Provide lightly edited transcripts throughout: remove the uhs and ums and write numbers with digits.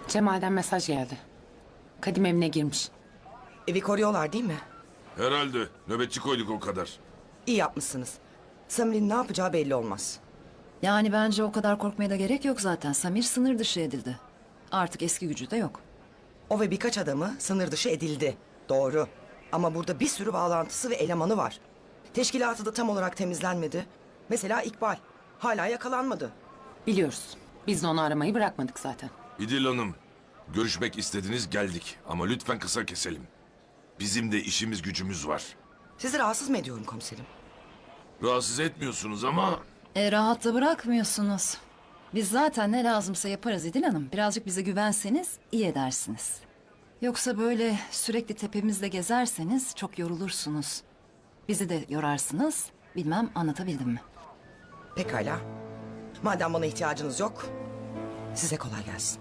Cemal'den mesaj geldi. Kadim evine girmiş. Evi koruyorlar değil mi? Herhalde. Nöbetçi koyduk o kadar. İyi yapmışsınız. Samir'in ne yapacağı belli olmaz. Yani bence o kadar korkmaya da gerek yok zaten. Samir sınır dışı edildi. Artık eski gücü de yok. O ve birkaç adamı sınır dışı edildi. Doğru. Ama burada bir sürü bağlantısı ve elemanı var. Teşkilatı da tam olarak temizlenmedi. Mesela İkbal. Hala yakalanmadı. Biliyoruz. Biz de onu aramayı bırakmadık zaten. İdil Hanım, görüşmek istediniz geldik. Ama lütfen kısa keselim. Bizim de işimiz gücümüz var. Sizi rahatsız mı ediyorum komiserim? Rahatsız etmiyorsunuz ama... Rahat da bırakmıyorsunuz. Biz zaten ne lazımsa yaparız İdil Hanım. Birazcık bize güvenseniz iyi edersiniz. Yoksa böyle sürekli tepemizde gezerseniz çok yorulursunuz. Bizi de yorarsınız. Bilmem anlatabildim mi? Pekala. Madem bana ihtiyacınız yok, size kolay gelsin.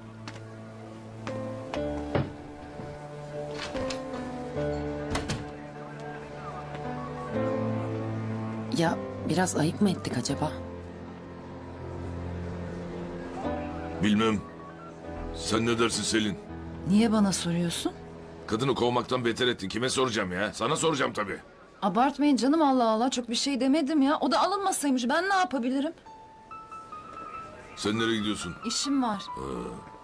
Ya biraz ayıp mı ettik acaba? Bilmem. Sen ne dersin Selin? Niye bana soruyorsun? Kadını kovmaktan beter ettin. Kime soracağım ya? Sana soracağım tabii. Abartmayın canım, Allah Allah, çok bir şey demedim ya. O da alınmasaymış, ben ne yapabilirim? Sen nereye gidiyorsun? İşim var.